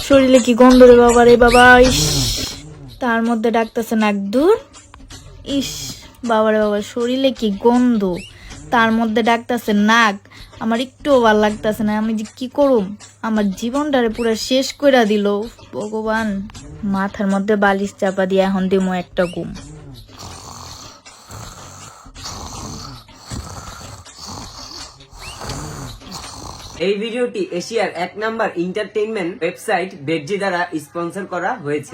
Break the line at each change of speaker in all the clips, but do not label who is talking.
শরীরে কি গন্ধ রে বাবা, রে বাবা। ইস, তার মধ্যে ডাকতেছে নাক। দূর, ইস বাবা রে বাবা, শরীরে কি গন্ধ, তার মধ্যে ডাকতেছে নাক। আমার একটু ভালো লাগতেছে না। আমি যে কি করুম, আমার জীবনটারে পুরো শেষ করে দিল ভগবান। মাথার মধ্যে বালিশ চাপা দিয়ে এখন দিমো একটা ঘুম।
এই ভিডিওটি এশিয়ার 1 নাম্বার এন্টারটেইনমেন্ট ওয়েবসাইট বেডজি দ্বারা স্পন্সর করা হয়েছে।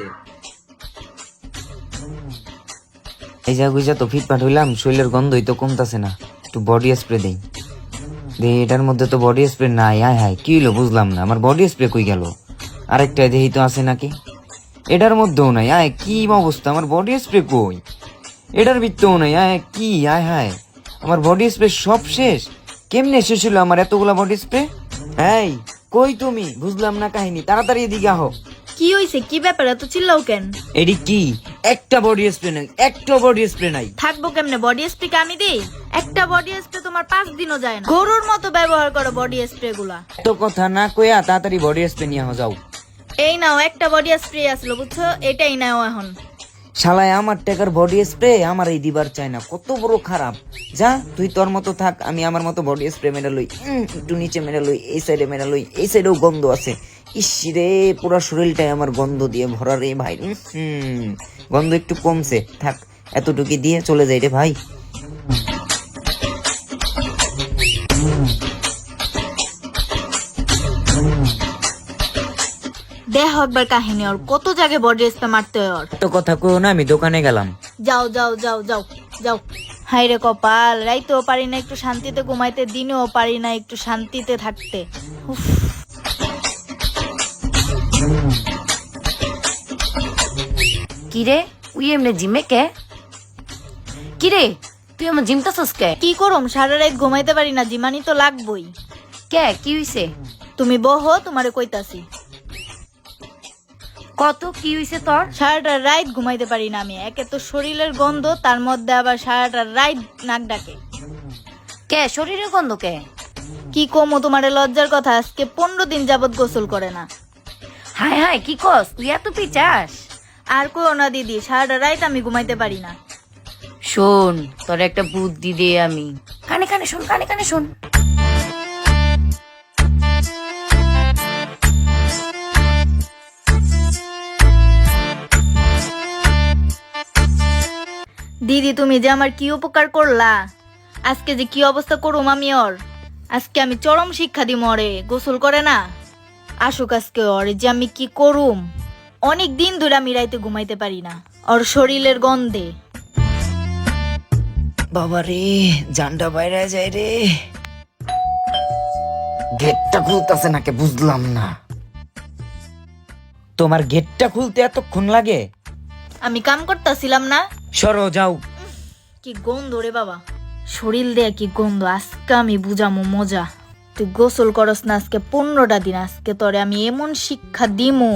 এই যা গুইজা তো ফিটফাট হইলাম, শরীরের গন্ধই তো কমতাছে না। একটু বডি স্প্রে দেই। এটার মধ্যে তো বডি স্প্রে নাই। হায় হায়, কি হইলো বুঝলাম না। আমার বডি স্প্রে কই গেল? আরেকটা দেহি তো আছে নাকি? এটার মধ্যেও নাই। আয় কি অবস্থা, আমার বডি স্প্রে কই? এটার ভিতরেও নাই। আয় কি, আয় হায়, আমার বডি স্প্রে সব শেষ। কেমনে শেষ হলো আমার এতগুলা বডি স্প্রে? এই কই তুমি? বুঝলাম না কাহিনী, তাড়াতাড়ি এদিকে আহো।
কি হইছে, কি ব্যাপার, এত চিল্লাও কেন?
এডি কি, একটা বডি স্প্রে নাই, একটা বডি স্প্রে নাই।
থাকবো কেমনে? বডি স্প্রে কে আমি দিই? একটা বডি স্প্রে তোমার 5 দিনও যায় না। গরুর মতো ব্যবহার করো বডি স্প্রে গুলা।
তো কথা না কইয়া তাড়াতাড়ি বডি স্প্রে নিয়ে যাও।
এই নাও, একটা বডি স্প্রে আসলো বুঝছো, এটাই নাও এখন।
শালায় আমার টাকার বডি স্প্রে আমার এই দিবার চাই না, কত বড় খারাপ। যা তুই তোর মতো থাক, আমি আমার মতো বডি স্প্রে মেরে লই। একটু নিচে মেরে লই, এই সাইডে মেরে লই, এই সাইডেও গন্ধ আছে। ইস রে, পুরো শরীরটাই আমার গন্ধ দিয়ে ভরা রে ভাই। গন্ধ একটু কমছে, থাক এতটুকু দিয়ে চলে যাই রে ভাই।
দেখো একবার কাহিনী, ওর কত জায়গায় বডি স্প্রে মারতে হয় ওর।
তো কথা কইও না, আমি দোকানে গেলাম।
যাও যাও যাও যাও যাও। হাই রে কপাল, রাইতেও পারি না একটু শান্তিতে ঘুমাইতে, দিনেও পারি না একটু শান্তিতে থাকতে। উফ।
কিরে উই এমনি জিমে কে? কিরে তুই আমার জিমটাছস কে?
কি করুম, সারা রাত ঘুমাইতে পারি না, জিমানি তো লাগবই।
কে কি হইছে?
তুমি বহো, তোমারে কইতাছি।
কত কি হইছে তোর?
সারাটা রাত ঘুমাইতে পারি না আমি। একে তো শরীরের গন্ধ, তার মধ্যে আবার সারাটা রাত নাক ডাকে।
কে শরীরের গন্ধ কে?
কি কমো তোমারে লজ্জার কথা, আজকে 15 দিন যাবত গোসল করে না।
হায় হায়, কি কস তুই? এত পিচাস?
আর কইও না দিদি, সারাটা রাত আমি ঘুমাইতে পারি না।
শোন, তোর একটা বুদ্ধি দে আমি। কানে কানে শোন, কানে কানে শোন।
দিদি তুমি যে আমার কি উপকার করলা, আজকে যে কি অবস্থা করুম আমি ওর। আজকে আমি চরম শিক্ষা দিম ওরে, গোসল করে না আসুক আজকে ওর যে আমি কি করুম। অনেক দিন ধরে আমি রাইতে ঘুমাইতে পারি না ওর শরীরের গন্ধে।
বাবা রে, জানটা বাইরে যায় রে। গেটটা খুলতেছে নাকি বুঝলাম না। তোমার গেটটা খুলতে এতক্ষণ লাগে?
আমি কাম করতেছিলাম না।
সরো যাও।
কি গন্ধ রে বাবা, শরীর দেয়া কি গন্ধ। আজকে আমি বুঝামো মজা। তুই গোসল করস না আজকে 15টা দিন, আজকে তোরে আমি এমন শিক্ষা দিমু।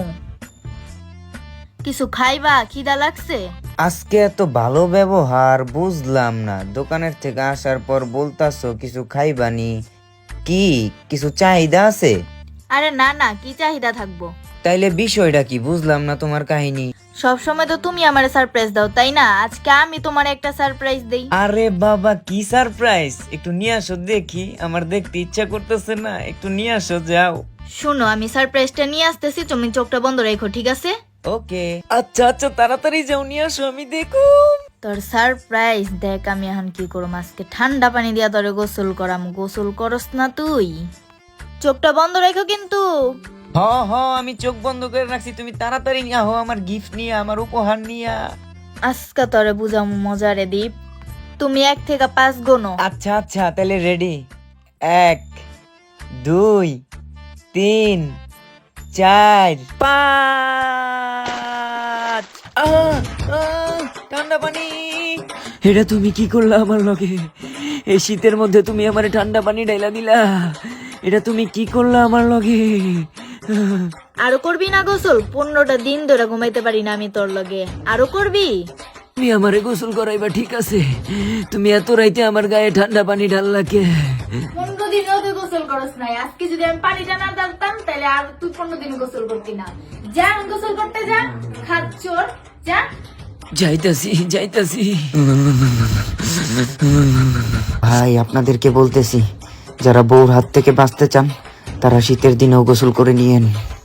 কিছু খাইবা? খিদা লাগছে?
আজকে এত ভালো ব্যবহার বুঝলাম না। দোকানের থেকে আসার পর বলতাছো কিছু খাইবানি, কি কিছু চাহিদা আছে?
আরে না না, কি চাহিদা থাকবো।
তাইলে বিষয়টা কি বুঝলাম না তোমার কাহিনী।
সব সময় তো তুমি আমারে সারপ্রাইজ দাও তাই না, আজকে আমি তোমার একটা সারপ্রাইজ দেই।
আরে বাবা, কি সারপ্রাইজ? একটু নিয়ে আসো দেখি, আমার দেখতে ইচ্ছা করতেছে না। একটু নিয়ে আসো, যাও।
শোনো, আমি সারপ্রাইজটা নিয়ে আসতেছি, তুমি চোখটা বন্ধ রাখো, ঠিক আছে?
ওকে, আচ্ছা আচ্ছা, তাড়াতাড়ি যাও, নিয়ে আসো, আমি দেখুম।
তোর সারপ্রাইজ দেখ আমি এখন কি করব। আজকে ঠান্ডা পানি দিয়া তোরে গোসল করাম। গোসল করস না তুই? চোখটা বন্ধ রাখো কিন্তু।
হ হ, আমি চোখ বন্ধ করে রাখছি, তুমি তাড়াতাড়ি নিয়ে আহো আমার গিফট নিয়ে, আমার উপহার নিয়ে।
আজকে তোরে বুঝাম মজা রে দীপ। তুমি 1 থেকে 5 গোনো।
আচ্ছা আচ্ছা, তাহলে রেডি। 1 2 3 4 5। ঠান্ডা পানি। এটা তুমি কি করলা আমার লগে? এই শীতের মধ্যে তুমি আমার ঠান্ডা পানি ঢাইলা দিলা। এটা তুমি কি করলা আমার লগে?
আরো করবি না গোসল? 15টা দিন ধরে ঘুমাইতে পারি না আমি তোর লগে। আরো করবি?
তুমি আমারে গোসল করাইবা ঠিক আছে, তুমি এত রাইতে আমার গায়ে ঠান্ডা পানি ঢাললা কে?
15 দিন ধরে গোসল গোসল করস নাই, আজকে যদি আমি পানিটা না ডালতাম তাহলে আর তুই 15 দিন গোসল করতি না। যা এখন গোসল করতে যা, খাচ্চর যা।
যাইতাছি ভাই, আপনাদেরকে বলতেছি, যারা বউর হাত থেকে বাঁচতে চান তারা শীতের দিনেও গোসল করে নিয়েন।